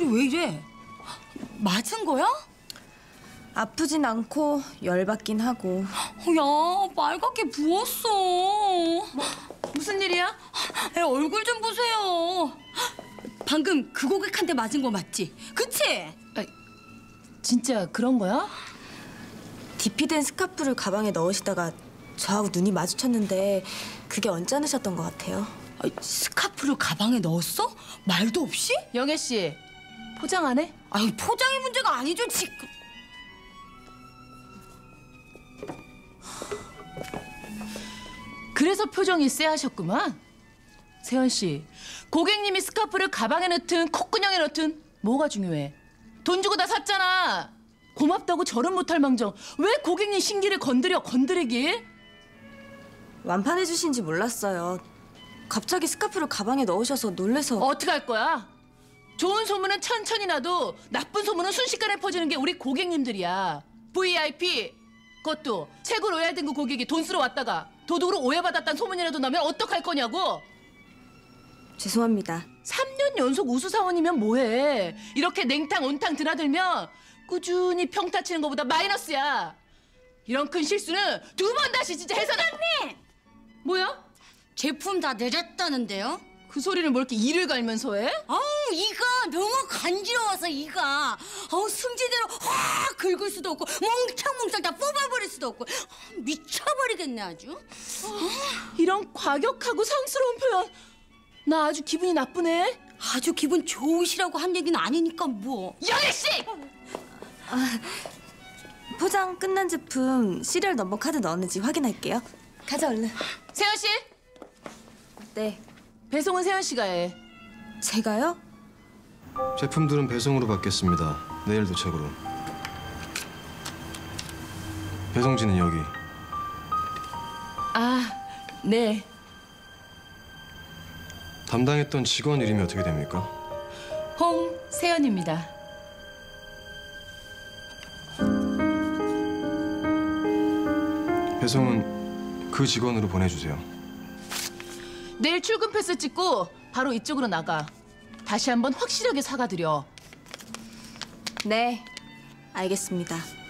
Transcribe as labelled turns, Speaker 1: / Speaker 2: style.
Speaker 1: 목소리 왜 이래? 맞은 거야?
Speaker 2: 아프진 않고 열받긴 하고.
Speaker 1: 야, 빨갛게 부었어.
Speaker 3: 무슨 일이야?
Speaker 1: 애 얼굴 좀 보세요. 방금 그 고객한테 맞은 거 맞지? 그치?
Speaker 3: 아, 진짜 그런 거야?
Speaker 2: DP된 스카프를 가방에 넣으시다가 저하고 눈이 마주쳤는데 그게 언짢으셨던 것 같아요.
Speaker 1: 스카프를 가방에 넣었어? 말도 없이?
Speaker 3: 영애 씨, 포장 안 해?
Speaker 1: 아니, 포장이 문제가 아니죠, 지금.
Speaker 3: 그래서 표정이 쎄하셨구만. 세연 씨, 고객님이 스카프를 가방에 넣든 콧구멍에 넣든 뭐가 중요해? 돈 주고 다 샀잖아. 고맙다고 절은 못할 망정 왜 고객님 신기를 건드리길?
Speaker 2: 완판해 주신지 몰랐어요. 갑자기 스카프를 가방에 넣으셔서 놀래서.
Speaker 3: 어떡할 거야? 좋은 소문은 천천히 나도 나쁜 소문은 순식간에 퍼지는 게 우리 고객님들이야. VIP. 그것도 최고 로얄 등급 고객이 돈 쓰러 왔다가 도둑으로 오해받았다는 소문이라도 나면 어떡할 거냐고.
Speaker 2: 죄송합니다.
Speaker 3: 3년 연속 우수사원이면 뭐해. 이렇게 냉탕 온탕 드나들면 꾸준히 평타 치는 것보다 마이너스야. 이런 큰 실수는 2번 다시 진짜 해서는.
Speaker 1: 사장님!
Speaker 3: 뭐야?
Speaker 1: 제품 다 내렸다는데요?
Speaker 3: 그 소리를 뭐 이렇게 이를 갈면서 해?
Speaker 1: 아우, 이가 너무 간지러워서 이가. 아우, 승질대로 확 긁을 수도 없고 몽창몽창 다 뽑아버릴 수도 없고. 미쳐버리겠네 아주.
Speaker 3: 이런 과격하고 상스러운 표현 나 아주 기분이 나쁘네.
Speaker 1: 아주 기분 좋으시라고 한 얘기는 아니니까 뭐.
Speaker 3: 영애 씨!
Speaker 2: 포장 끝난 제품 시리얼 넘버 카드 넣었는지 확인할게요. 가자 얼른.
Speaker 3: 세연 씨!
Speaker 2: 네.
Speaker 3: 배송은 세연 씨가 해.
Speaker 2: 제가요?
Speaker 4: 제품들은 배송으로 받겠습니다. 내일 도착으로. 배송지는 여기.
Speaker 3: 아, 네.
Speaker 4: 담당했던 직원 이름이 어떻게 됩니까?
Speaker 3: 홍세연입니다.
Speaker 4: 배송은 그 직원으로 보내주세요.
Speaker 3: 내일 출근 패스 찍고 바로 이쪽으로 나가. 다시 한번 확실하게 사과드려.
Speaker 2: 네. 알겠습니다.